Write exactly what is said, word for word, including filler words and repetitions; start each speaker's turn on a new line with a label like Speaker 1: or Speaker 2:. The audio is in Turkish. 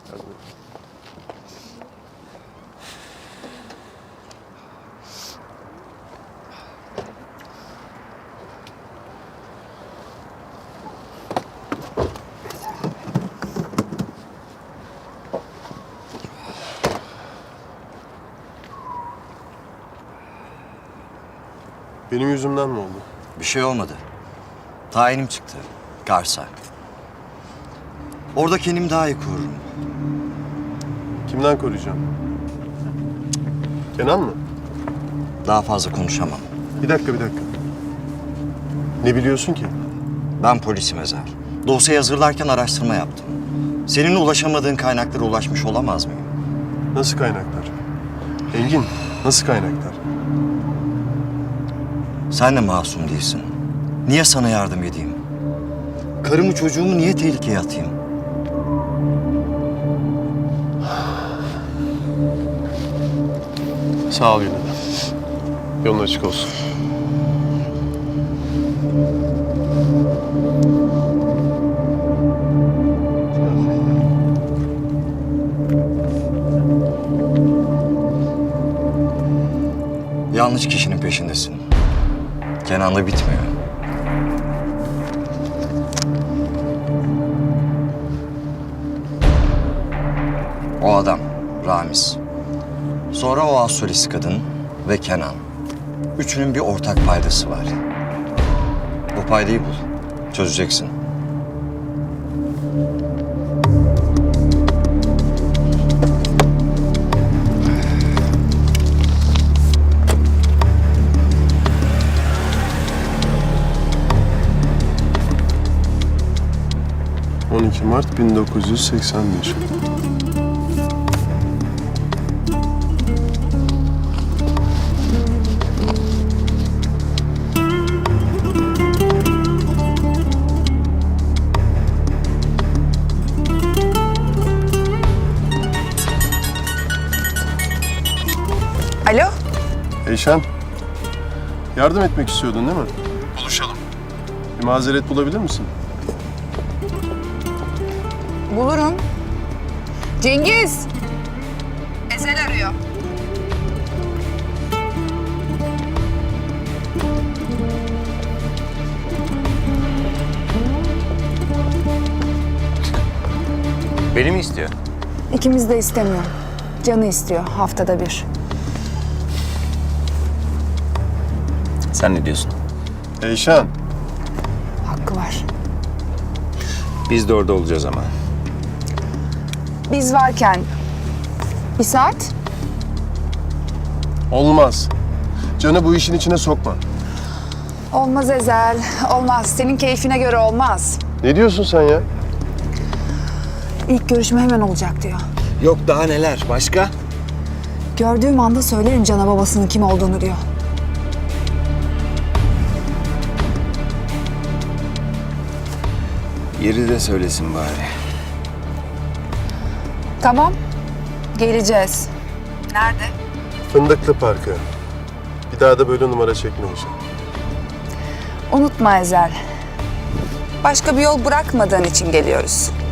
Speaker 1: Benim yüzümden mi oldu?
Speaker 2: Bir şey olmadı. Tayinim çıktı. Kars'a. Orada kendimi daha iyi korurum.
Speaker 1: Kimden koruyacağım? Kenan mı?
Speaker 2: Daha fazla konuşamam.
Speaker 1: Bir dakika, bir dakika. Ne biliyorsun ki?
Speaker 2: Ben polisim Ezel. Dosyayı hazırlarken araştırma yaptım. Senin ulaşamadığın kaynaklara ulaşmış olamaz mıyım?
Speaker 1: Nasıl kaynaklar? Engin, nasıl kaynaklar?
Speaker 2: Sen de masum değilsin. Niye sana yardım edeyim? Karımı çocuğumu niye tehlikeye atayım?
Speaker 1: Sağ ol yine de. Yolun açık olsun.
Speaker 2: Yanlış kişinin peşindesin. Kenan'la bitmiyor. O adam, Ramiz. Sonra o astrolist kadın ve Kenan. Üçünün bir ortak paydası var. Bu paydayı bul. Çözeceksin.
Speaker 1: on iki Mart bin dokuz yüz seksen bir.
Speaker 3: Alo?
Speaker 1: Eyşan, yardım etmek istiyordun değil mi? Buluşalım. Bir mazeret bulabilir misin?
Speaker 3: Bulurum. Cengiz! Ezel arıyor.
Speaker 4: Beni mi istiyor?
Speaker 3: İkimiz de istemiyor. Canı istiyor haftada bir.
Speaker 4: Sen ne diyorsun?
Speaker 1: Eyşan,
Speaker 3: Hakkı var.
Speaker 4: Biz de orada olacağız ama.
Speaker 3: Biz varken bir saat.
Speaker 1: olmaz. Canı bu işin içine sokma.
Speaker 3: Olmaz Ezel. Olmaz. Senin keyfine göre olmaz.
Speaker 1: Ne diyorsun sen ya?
Speaker 3: İlk görüşme hemen olacak diyor.
Speaker 4: Yok daha neler? Başka?
Speaker 3: Gördüğüm anda söylerim Can'a babasının kim olduğunu diyor.
Speaker 4: Yeri de söylesin bari.
Speaker 3: Tamam. Geleceğiz. Nerede?
Speaker 1: Fındıklı Parkı. Bir daha da böyle numara çekme Eyşan.
Speaker 3: Unutma Ezel. Başka bir yol bırakmadığın için geliyoruz.